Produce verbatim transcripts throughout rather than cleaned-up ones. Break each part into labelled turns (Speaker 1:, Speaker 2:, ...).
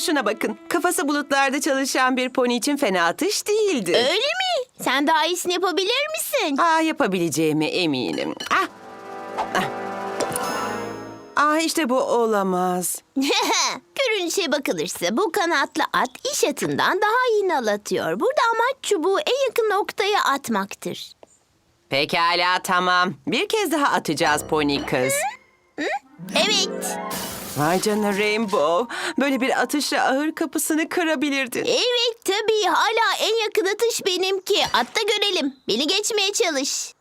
Speaker 1: şuna bakın. Kafası bulutlarda çalışan bir pony için fena atış değildi.
Speaker 2: Öyle mi? Sen daha iyisini yapabilir misin?
Speaker 1: Aa, yapabileceğime eminim. Ah. Ah. Aa, işte bu olamaz.
Speaker 2: Görünüşe bakılırsa bu kanatlı at iş atından daha iyi nal atıyor. Burada amaç çubuğu en yakın noktaya atmaktır.
Speaker 1: Pekala, tamam. Bir kez daha atacağız pony kız.
Speaker 2: Evet.
Speaker 1: Vay canına Rainbow. Böyle bir atışla ahır kapısını kırabilirdin.
Speaker 2: Evet tabii. Hala en yakın atış benimki. At da görelim. Beni geçmeye çalış.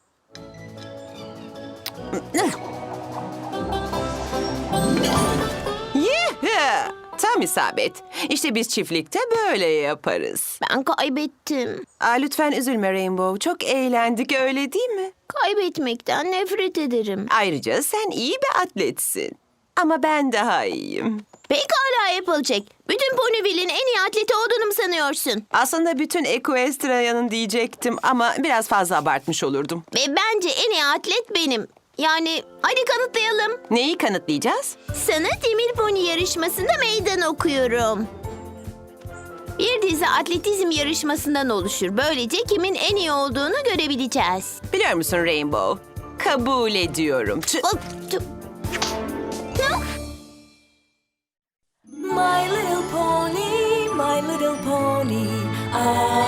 Speaker 1: Yeah! Tam isabet. İşte biz çiftlikte böyle yaparız.
Speaker 2: Ben kaybettim.
Speaker 1: Aa, lütfen üzülme Rainbow. Çok eğlendik, öyle değil mi?
Speaker 2: Kaybetmekten nefret ederim.
Speaker 1: Ayrıca sen iyi bir atletsin. Ama ben daha iyiyim.
Speaker 2: Pekala yapılacak. Bütün Ponyville'in en iyi atleti olduğunu mu sanıyorsun?
Speaker 1: Aslında bütün Equestria'nın diyecektim ama biraz fazla abartmış olurdum.
Speaker 2: Ve bence en iyi atlet benim. Yani hadi kanıtlayalım.
Speaker 1: Neyi kanıtlayacağız?
Speaker 2: Sana demir pony yarışmasında meydan okuyorum. Bir dizi atletizm yarışmasından oluşur. Böylece kimin en iyi olduğunu görebileceğiz.
Speaker 1: Biliyor musun Rainbow? Kabul ediyorum. Tü-
Speaker 2: Hop, tüp.
Speaker 3: My little pony, my little pony. Ah,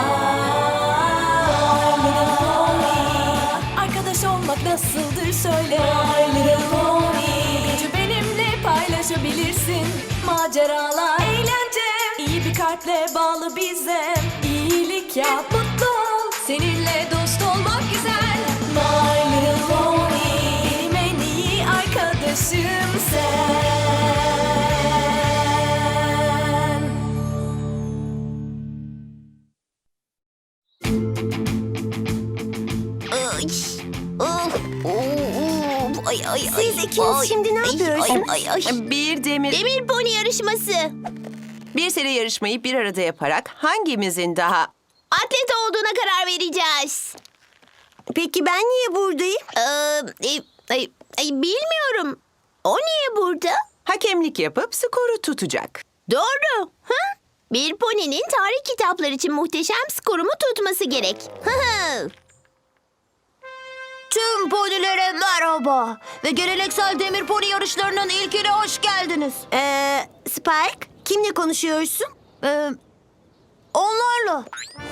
Speaker 3: my little pony. Arkadaş olmak nasıldır söyle. My little pony. Gücü benimle paylaşabilirsin. Maceralar, eğlence. İyi bir kalple bağlı bize. İyilik yap, mutlu ol. Seninle dost olmak güzel. My little pony. Benim en iyi arkadaşım sen.
Speaker 2: Ay, of, of, ay, ay,
Speaker 4: Siz
Speaker 2: ay,
Speaker 4: ikiniz
Speaker 2: ay,
Speaker 4: şimdi ne
Speaker 2: ay,
Speaker 4: yapıyorsunuz?
Speaker 2: Ay, ay, ay.
Speaker 1: Bir demir,
Speaker 2: Demir pony yarışması.
Speaker 1: bir seri yarışmayı bir arada yaparak hangimizin daha...
Speaker 2: Atlet olduğuna karar vereceğiz.
Speaker 4: Peki ben niye buradayım?
Speaker 2: Ee, e, ay, ay, bilmiyorum. O niye burada?
Speaker 1: Hakemlik yapıp skoru tutacak.
Speaker 2: Doğru. Hı? Bir poninin tarih kitapları için muhteşem skorumu tutması gerek. Hı hı.
Speaker 4: Tüm ponilere merhaba ve geleneksel demir pony yarışlarının ilkine hoş geldiniz. Ee, Spike, kimle konuşuyorsun? Ee, onlarla.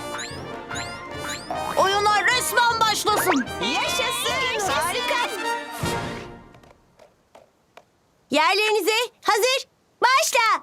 Speaker 4: Oyunlar resmen başlasın.
Speaker 2: Yaşasın. Harika.
Speaker 4: Yerlerinize hazır, başla.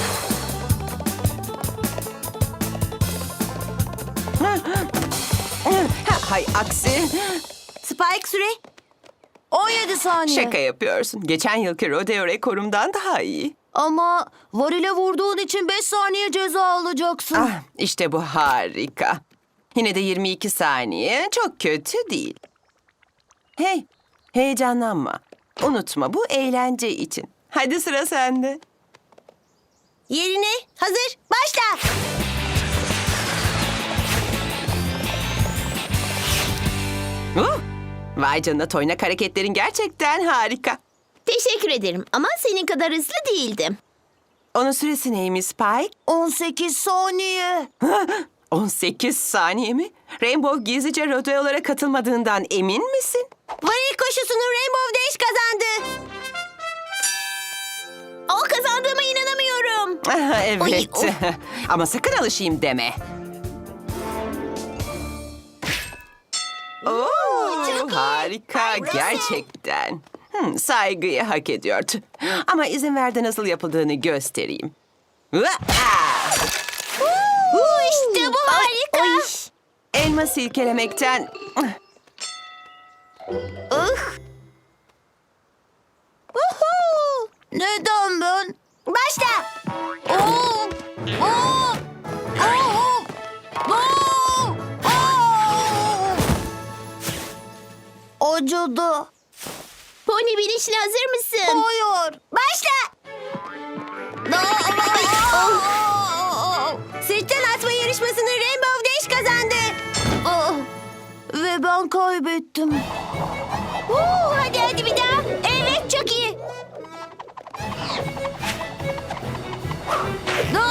Speaker 1: Ha, hay aksi.
Speaker 4: Spike süre on yedi saniye.
Speaker 1: Şaka yapıyorsun. Geçen yılki rodeo rekorumdan daha iyi.
Speaker 4: Ama varile vurduğun için beş saniye ceza alacaksın.
Speaker 1: Ah, işte bu harika. Yine de yirmi iki saniye çok kötü değil. Hey, heyecanlanma. Unutma, bu eğlence için. Hadi sıra sende.
Speaker 4: Yerine hazır, başla.
Speaker 1: Uh, vay canına, toynak hareketlerin gerçekten harika.
Speaker 2: Teşekkür ederim ama senin kadar hızlı değildim.
Speaker 1: Onun süresi neymiş Spike?
Speaker 4: on sekiz saniye.
Speaker 1: on sekiz saniye mi? Rainbow gizlice rodeolara katılmadığından emin misin?
Speaker 4: Varil koşusunu Rainbow Dash kazandı.
Speaker 2: O kazandığıma inanamıyorum.
Speaker 1: Ah, evet.
Speaker 2: Oy, of.
Speaker 1: Ama sakın alışayım deme. Oo, harika gerçekten. Hmm, saygıyı hak ediyor. Tüh. Ama izin ver de nasıl yapıldığını göstereyim. Vaa!
Speaker 2: İşte bu harika.
Speaker 4: Oy.
Speaker 1: Elma silkelemekten...
Speaker 2: Uh,
Speaker 4: Uhu! Neden ben? Başla. Oo! Oo! Oo! Oo! Oo! Acıdı.
Speaker 2: pony binişine hazır mısın?
Speaker 4: Hayır. Başla. Sırttan atma yarışmasını Rainbow Dash kazandı. Ah, ve ben kaybettim.
Speaker 2: Uh, hadi hadi bir daha. Evet çok iyi.
Speaker 4: Aa!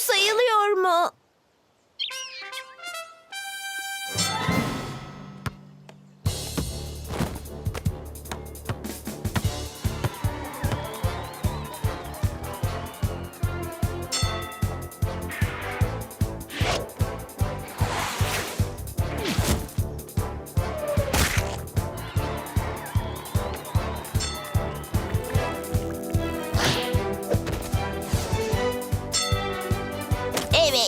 Speaker 2: sayılıyor mu? Evet.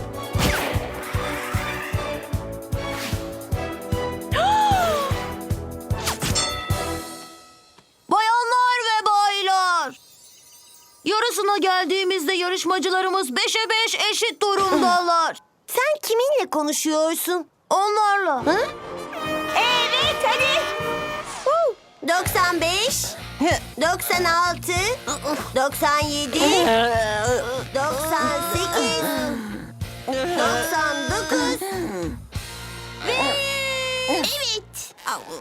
Speaker 4: Bayanlar ve baylar. Yarısına geldiğimizde yarışmacılarımız beşe beş eşit durumdalar. Sen kiminle konuşuyorsun? Onlarla.
Speaker 2: Evet hadi.
Speaker 4: doksan beş, doksan altı, doksan yedi, doksan sekiz, doksan dokuz ve
Speaker 2: Evet.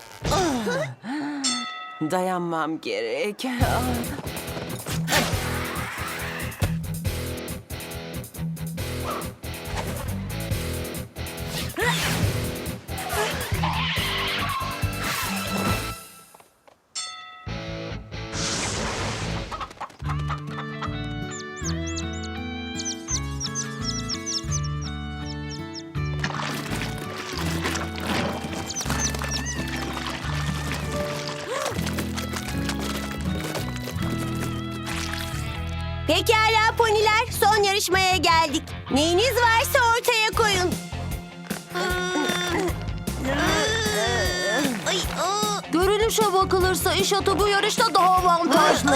Speaker 1: Dayanmam gerek.
Speaker 4: Pekala poniler, son yarışmaya geldik. Neyiniz varsa ortaya koyun. Görünüşe bakılırsa iş atı bu yarışta daha avantajlı.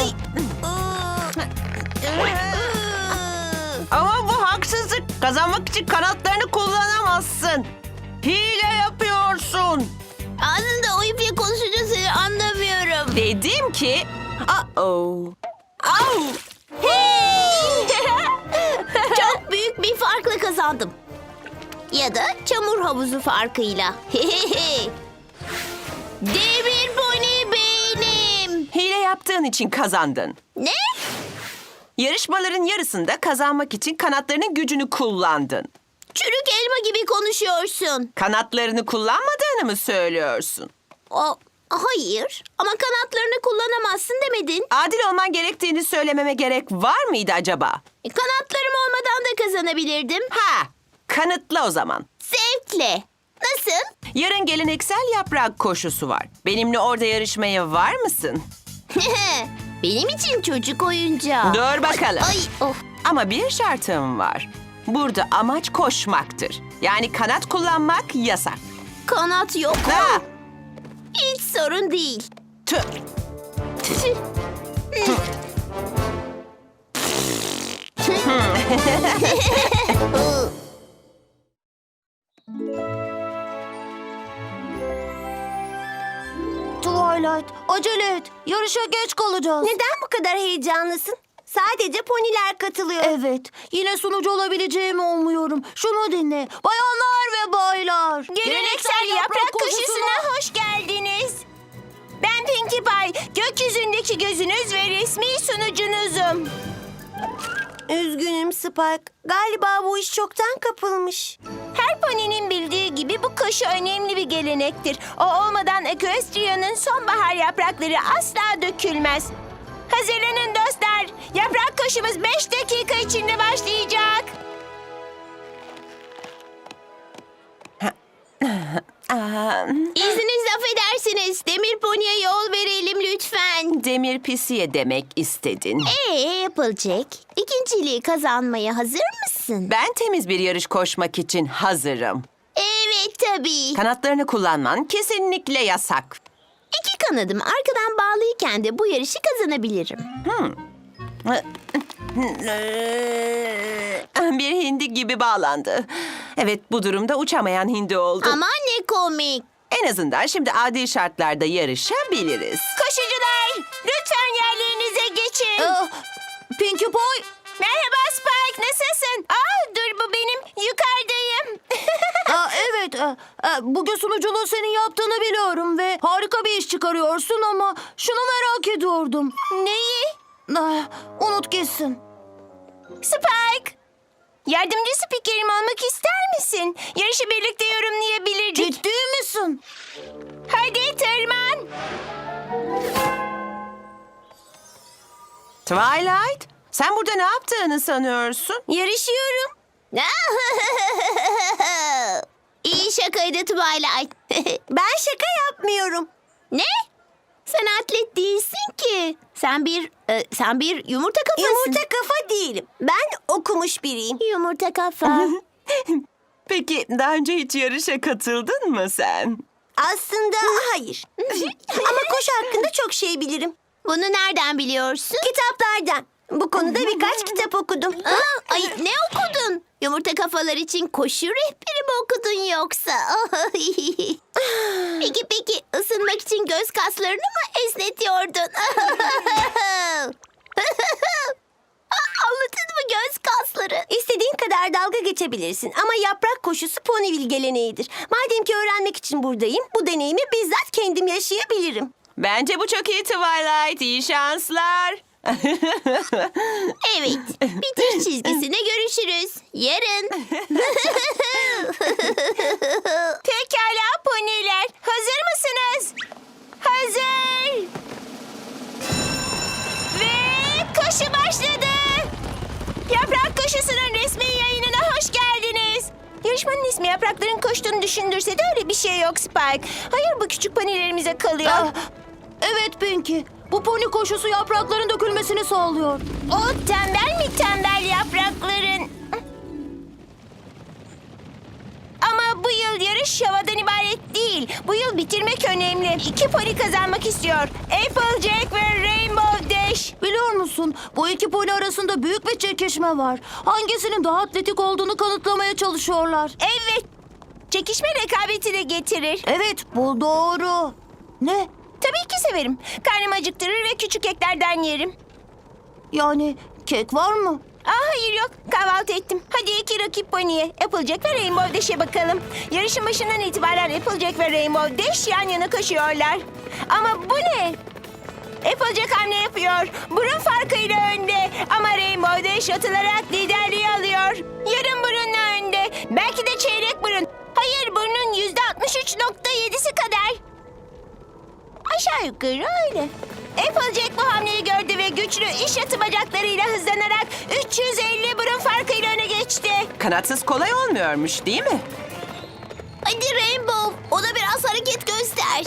Speaker 1: Ama bu haksızlık. Kazanmak için kanatlarını kullanamazsın. Hile yapıyorsun.
Speaker 2: Ağzında o iple konuşunca seni anlamıyorum.
Speaker 1: Dedim ki... Uh-oh. Au!
Speaker 2: Hey! Çok büyük bir farkla kazandım. Ya da çamur havuzu farkıyla. Demir pony benim.
Speaker 1: Hile yaptığın için kazandın.
Speaker 2: Ne?
Speaker 1: Yarışmaların yarısında kazanmak için kanatlarının gücünü kullandın.
Speaker 2: Çürük elma gibi konuşuyorsun.
Speaker 1: Kanatlarını kullanmadığını mı söylüyorsun?
Speaker 2: O, hayır ama kanatlarını kullanamazsın demedin.
Speaker 1: Adil olman gerektiğini söylememe gerek var mıydı acaba?
Speaker 2: E, Kanatlarım olmadan da kazanabilirdim.
Speaker 1: Ha, kanıtla o zaman.
Speaker 2: Zevkle. Nasıl?
Speaker 1: Yarın geleneksel yaprak koşusu var. Benimle orada yarışmaya var mısın?
Speaker 2: Benim için çocuk oyuncağı.
Speaker 1: Dur bakalım.
Speaker 2: Ay, oh.
Speaker 1: Ama bir şartım var. Burada amaç koşmaktır. Yani kanat kullanmak yasak.
Speaker 2: Kanat yok mu?
Speaker 1: Ha!
Speaker 2: Hiç sorun değil.
Speaker 1: Tüh.
Speaker 4: Twilight, acele et. Yarışa geç kalacağız. Neden bu kadar heyecanlısın? Sadece poniler katılıyor. Evet, yine sunucu olabileceğimi umuyorum. Şunu dinle. Bayanlar ve baylar.
Speaker 2: Geleneksel yaprak koşusuna hoş geldiniz. Ben Pinkie Pie, gökyüzündeki gözünüz ve resmi sunucunuzum.
Speaker 4: Üzgünüm Spike. Galiba bu iş çoktan kapılmış.
Speaker 2: Her poninin bildiği gibi bu koşu önemli bir gelenektir. O olmadan Equestria'nın sonbahar yaprakları asla dökülmez. Hazırlanın dostlar. Yaprak koşumuz beş dakika içinde başlayacak. İzninizle affedersiniz. Demir Pony'e yol verelim lütfen.
Speaker 1: Demir pisiye demek istedin.
Speaker 2: Ee yapılacak. İkinciliği kazanmaya hazır mısın?
Speaker 1: Ben temiz bir yarış koşmak için hazırım.
Speaker 2: Evet tabii.
Speaker 1: Kanatlarını kullanman kesinlikle yasak.
Speaker 2: İki kanadım arkadan bağlıyken de bu yarışı kazanabilirim.
Speaker 1: Bir hindi gibi bağlandı. Evet, bu durumda uçamayan hindi oldu.
Speaker 2: Aman ne komik.
Speaker 1: En azından şimdi adil şartlarda yarışabiliriz.
Speaker 2: Koşucular lütfen yerlerinize geçin.
Speaker 4: Ee, Pinkie Pie.
Speaker 2: Merhaba Spike, nasılsın? Aa, dur bu benim, yukarıdayım.
Speaker 4: Aa, evet, e, e, bugün sunuculuğu senin yaptığını biliyorum ve harika bir iş çıkarıyorsun ama şunu merak ediyordum.
Speaker 2: Neyi?
Speaker 4: Ah, unut gitsin.
Speaker 2: Spike, Yardımcı spikerim olmak ister misin? Yarışı birlikte yorumlayabilirdik.
Speaker 4: Ciddi misin?
Speaker 2: Hadi tırman.
Speaker 1: Twilight, sen burada ne yaptığını sanıyorsun?
Speaker 2: Yarışıyorum.
Speaker 4: İyi şakaydı Twilight. Ben şaka yapmıyorum. Ne? Sen atlet değilsin ki. Sen bir e, sen bir yumurta kafasın. Yumurta kafa değilim. Ben okumuş biriyim. Yumurta kafa.
Speaker 1: Peki daha önce hiç yarışa katıldın mı sen?
Speaker 4: Aslında hayır. Ama koşu hakkında çok şey bilirim. Bunu nereden biliyorsun? Kitaplardan. Bu konuda birkaç kitap okudum. Aa, ay ne okudun? Yumurta kafalar için koşu rehberi mi okudun yoksa? peki peki ısınmak için göz kaslarını mı esnetiyordun? Anladın mı göz kasları? İstediğin kadar dalga geçebilirsin ama yaprak koşusu Ponyville geleneğidir. Madem ki öğrenmek için buradayım, bu deneyimi bizzat kendim yaşayabilirim.
Speaker 1: Bence bu çok iyi Twilight. İyi şanslar.
Speaker 4: Evet, bitiş çizgisine görüşürüz. Yarın.
Speaker 2: Pekala poniler. Hazır mısınız? Hazır. Ve koşu başladı. Yaprak koşusunun resmi yayınına hoş geldiniz. Yarışmanın ismi yaprakların koştuğunu düşündürse de öyle bir şey yok Spike. Hayır, bu küçük ponilerimize kalıyor.
Speaker 4: Ah, evet Pinky, bu pony koşusu yaprakların dökülmesini sağlıyor.
Speaker 2: O tembel mi tembel yaprakların? Ama bu yıl yarış havadan ibaret değil. Bu yıl bitirmek önemli. İki pony kazanmak istiyor. Applejack ve Rainbow Dash.
Speaker 4: Biliyor musun, bu iki pony arasında büyük bir çekişme var. Hangisinin daha atletik olduğunu kanıtlamaya çalışıyorlar.
Speaker 2: Evet. Çekişme rekabeti de getirir.
Speaker 4: Evet, bu doğru. Ne?
Speaker 2: Tabii ki severim. Karnımı acıktırır ve küçük eklerden yerim.
Speaker 4: Yani kek var mı?
Speaker 2: Aa, hayır yok. Kahvaltı ettim. Hadi iki rakip pony'e. Applejack ve Rainbow Dash'e bakalım. Yarışın başından itibaren Applejack ve Rainbow Dash yan yana koşuyorlar. Ama bu ne? Applejack hamle yapıyor. Burun farkıyla önde. Ama Rainbow Dash atılarak liderliği alıyor. Yarım burunla önde. Belki de çeyrek burun. Hayır, burnun yüzde altmış üç nokta yedisi kadar. Aşağı yukarı öyle. Applejack bu hamleyi gördü ve güçlü iş atı bacaklarıyla hızlanarak üç yüz elli burun farkıyla öne geçti.
Speaker 1: Kanatsız kolay olmuyormuş değil mi?
Speaker 4: Hadi Rainbow, ona biraz hareket göster.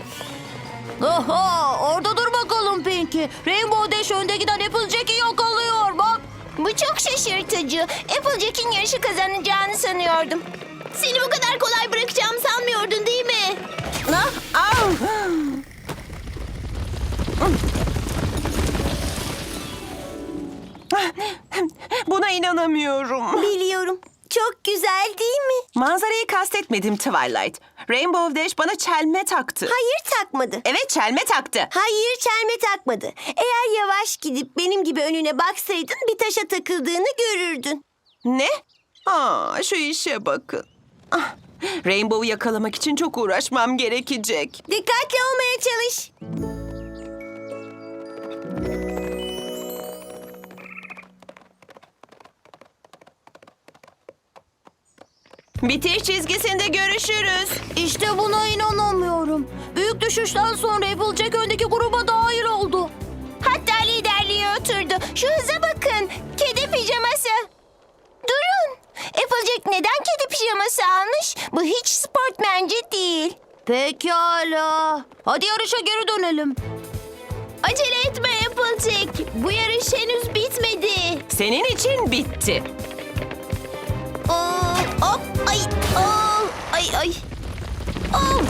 Speaker 4: Oha, orada dur bakalım Pinky. Rainbow Dash önde giden Applejack'i yakalıyor bak.
Speaker 2: Bu çok şaşırtıcı. Applejack'in yarışı kazanacağını sanıyordum.
Speaker 4: Seni bu kadar kolay bırakacağımı sanmıyordun değil mi?
Speaker 1: Ah, au! Buna inanamıyorum.
Speaker 4: Biliyorum. Çok güzel değil mi?
Speaker 1: Manzarayı kastetmedim Twilight. Rainbow Dash bana çelme taktı.
Speaker 4: Hayır takmadı.
Speaker 1: Evet, çelme taktı.
Speaker 4: Hayır çelme takmadı. Eğer yavaş gidip benim gibi önüne baksaydın bir taşa takıldığını görürdün.
Speaker 1: Ne? Aa, şu işe bakın. Ah, Rainbow'u yakalamak için çok uğraşmam gerekecek.
Speaker 4: Dikkatli olmaya çalış.
Speaker 1: Bitiş çizgisinde görüşürüz.
Speaker 4: İşte buna inanamıyorum. Büyük düşüşten sonra Applejack öndeki gruba dahil oldu.
Speaker 2: Hatta liderliğe oturdu. Şu hıza bakın. Kedi pijaması. Durun. Applejack neden kedi pijaması almış? Bu hiç sportmence değil.
Speaker 4: Pekala. Hadi yarışa geri dönelim.
Speaker 2: Acele etme Applejack. Bu yarış henüz bitmedi.
Speaker 1: Senin için bitti.
Speaker 4: Aa, hop, ay, aa, ay, ay. Aa.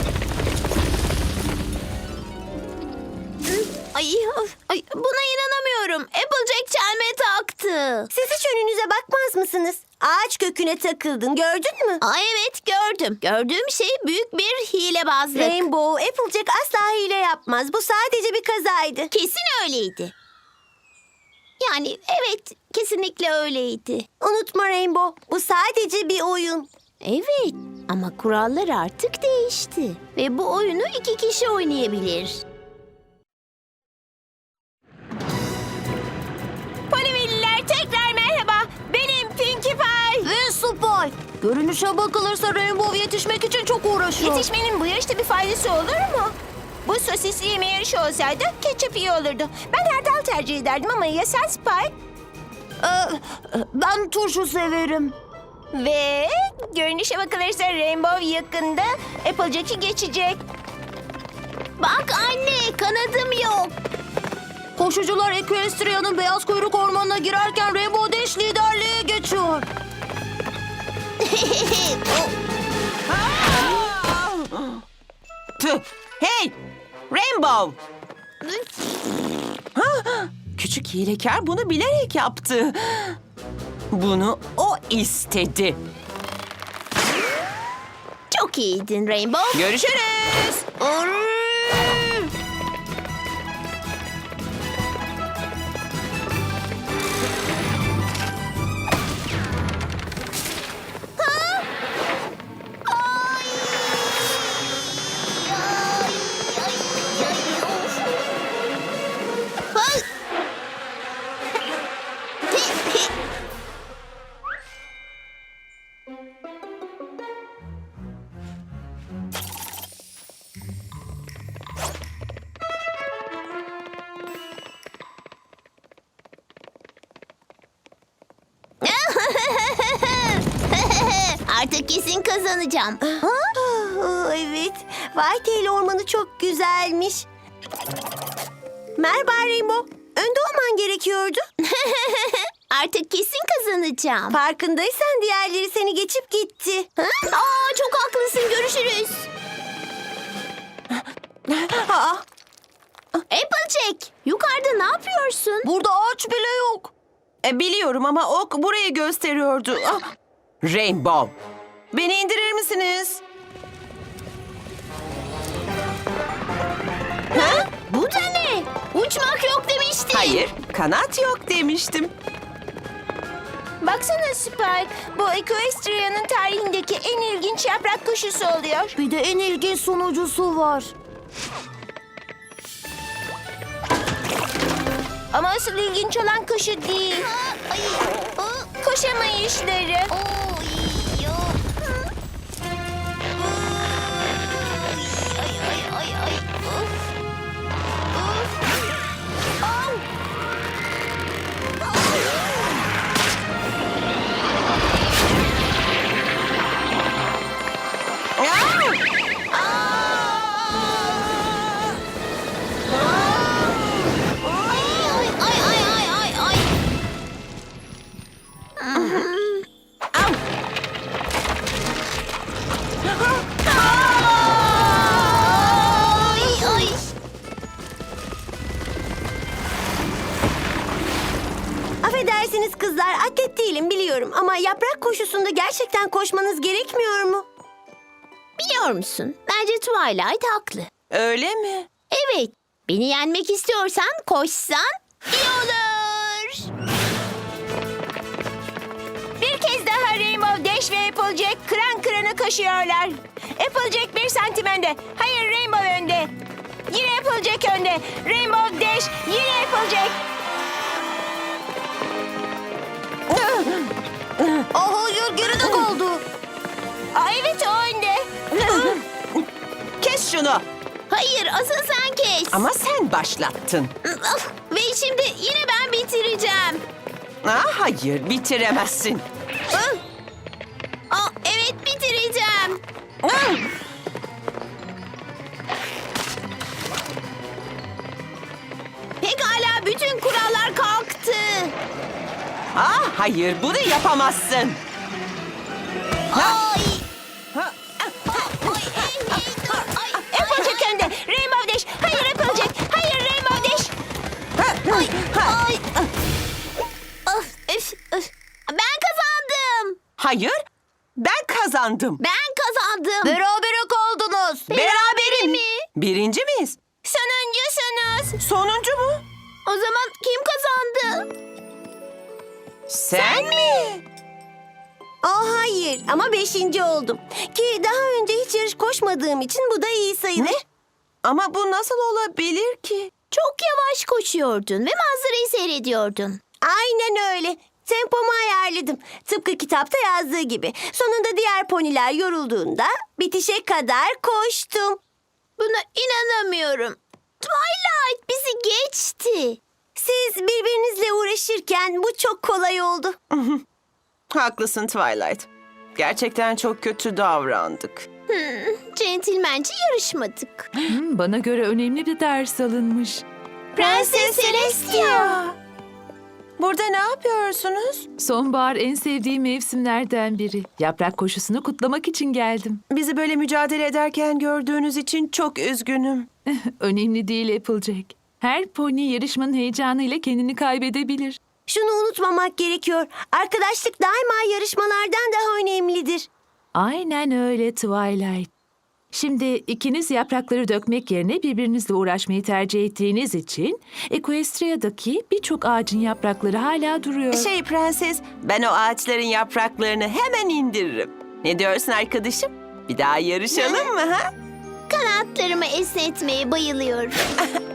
Speaker 4: Ay, ay, buna inanamıyorum. Applejack çelme taktı. Siz hiç önünüze bakmaz mısınız? Ağaç köküne takıldın, gördün mü? Aa, evet gördüm. Gördüğüm şey büyük bir hilebazlık. Rainbow, Applejack asla hile yapmaz. Bu sadece bir kazaydı. Kesin öyleydi. Yani evet, kesinlikle öyleydi. Unutma Rainbow, bu sadece bir oyun. Evet, ama kurallar artık değişti. Ve bu oyunu iki kişi oynayabilir.
Speaker 2: Ponyville'liler tekrar merhaba. Benim Pinkie Pie.
Speaker 4: Spy. Görünüşe bakılırsa Rainbow yetişmek için çok uğraşıyor.
Speaker 2: Yetişmenin bu yarışta bir faydası olur mu? Bu sosisli yeme yarışı olsaydı ketçap iyi olurdu. Ben hardal tercih ederdim ama ya sen Spike?
Speaker 4: Ee, ben turşu severim.
Speaker 2: Ve görünüşe bakılırsa Rainbow yakında Applejack'i geçecek.
Speaker 4: Bak anne, kanadım yok. Koşucular Equestria'nın beyaz kuyruk ormanına girerken Rainbow Dash liderliğe geçiyor.
Speaker 1: Tüh! Hey! Rainbow! Ha, küçük hilekar bunu bilerek yaptı. Bunu o istedi.
Speaker 4: Çok iyiydin Rainbow.
Speaker 1: Görüşürüz.
Speaker 4: Artık kesin kazanacağım. Aa, evet. Whitetail ormanı çok güzelmiş. Merhaba Rainbow. Önde olman gerekiyordu. Artık kesin kazanacağım. Farkındaysan diğerleri seni geçip gitti. Aa, çok haklısın. Görüşürüz. Aa. Applejack, yukarıda ne yapıyorsun? Burada ağaç bile yok.
Speaker 1: E, biliyorum ama ok burayı gösteriyordu. Ah! Rainbow, beni indirir misiniz?
Speaker 4: Ha? Bu da ne? Uçmak yok demiştin.
Speaker 1: Hayır, kanat yok demiştim.
Speaker 2: Baksana Spike, bu Equestria'nın tarihindeki en ilginç yaprak kuşusu oluyor.
Speaker 4: Bir de en ilginç sunucusu var.
Speaker 2: Ama asıl ilginç olan kuşu değil. Koşamayışları.
Speaker 4: Affedersiniz kızlar, atlet değilim biliyorum ama yaprak koşusunda gerçekten koşmanız gerekmiyor mu? Biliyor musun? Bence Twilight haklı.
Speaker 1: Öyle mi?
Speaker 4: Evet, beni yenmek istiyorsan koşsan iyi olur.
Speaker 2: Bir kez daha Rainbow Dash ve Applejack kıran kırana koşuyorlar. Applejack bir santim önde. Hayır, Rainbow önde. Yine Applejack önde. Rainbow Dash, yine Applejack.
Speaker 4: Aa, hayır, geride kaldı.
Speaker 2: Aa, evet, o önde.
Speaker 1: Kes şunu.
Speaker 4: Hayır, asıl sen kes.
Speaker 1: Ama sen başlattın.
Speaker 4: Ve şimdi yine ben bitireceğim.
Speaker 1: Ah, hayır, bitiremezsin.
Speaker 4: Aa, evet, bitireceğim.
Speaker 1: Ah!
Speaker 4: Pekala, bütün kurallar kalktı.
Speaker 1: Ah, hayır, bunu yapamazsın.
Speaker 4: Ay.
Speaker 1: Ha,
Speaker 4: Ay, hey, hey, dur. Ay,
Speaker 2: Applejack önde. Rainbow Dash. Hayır Applejack. Hayır Rainbow Dash.
Speaker 4: ay, ay. Of, öf, öf. Ben kazandım.
Speaker 1: hayır, ben kazandım.
Speaker 4: Ben kazandım. Berabere kaldınız.
Speaker 1: Berabere mi?
Speaker 4: mi?
Speaker 1: Birinci miyiz?
Speaker 2: Sonuncusunuz.
Speaker 1: Sonuncu mu?
Speaker 4: O zaman kim kazandı?
Speaker 1: Sen mi?
Speaker 4: Aa, hayır ama beşinci oldum. Ki daha önce hiç yarış koşmadığım için bu da iyi sayılır.
Speaker 1: Ne? Ama bu nasıl olabilir ki?
Speaker 4: Çok yavaş koşuyordun ve manzarayı seyrediyordun. Aynen öyle. Tempomu ayarladım. Tıpkı kitapta yazdığı gibi. Sonunda diğer poniler yorulduğunda bitişe kadar koştum. Buna inanamıyorum. Twilight bizi geçti. Siz birbirinizle uğraşırken bu çok kolay oldu.
Speaker 1: Haklısın Twilight. Gerçekten çok kötü davrandık.
Speaker 4: Centilmence yarışmadık.
Speaker 3: Hmm, bana göre önemli bir ders alınmış.
Speaker 4: Prenses Celestia.
Speaker 1: Burada ne yapıyorsunuz?
Speaker 3: Sonbahar en sevdiğim mevsimlerden biri. Yaprak koşusunu kutlamak için geldim.
Speaker 1: Bizi böyle mücadele ederken gördüğünüz için çok üzgünüm.
Speaker 3: Önemli değil Applejack. Her pony yarışmanın heyecanıyla kendini kaybedebilir.
Speaker 4: Şunu unutmamak gerekiyor. Arkadaşlık daima yarışmalardan daha önemlidir.
Speaker 3: Aynen öyle Twilight. Şimdi ikiniz yaprakları dökmek yerine birbirinizle uğraşmayı tercih ettiğiniz için Equestria'daki birçok ağacın yaprakları hala duruyor.
Speaker 1: Şey prenses, ben o ağaçların yapraklarını hemen indiririm. Ne diyorsun arkadaşım? Bir daha yarışalım mı ha?
Speaker 4: Kanatlarımı esnetmeye bayılıyorum.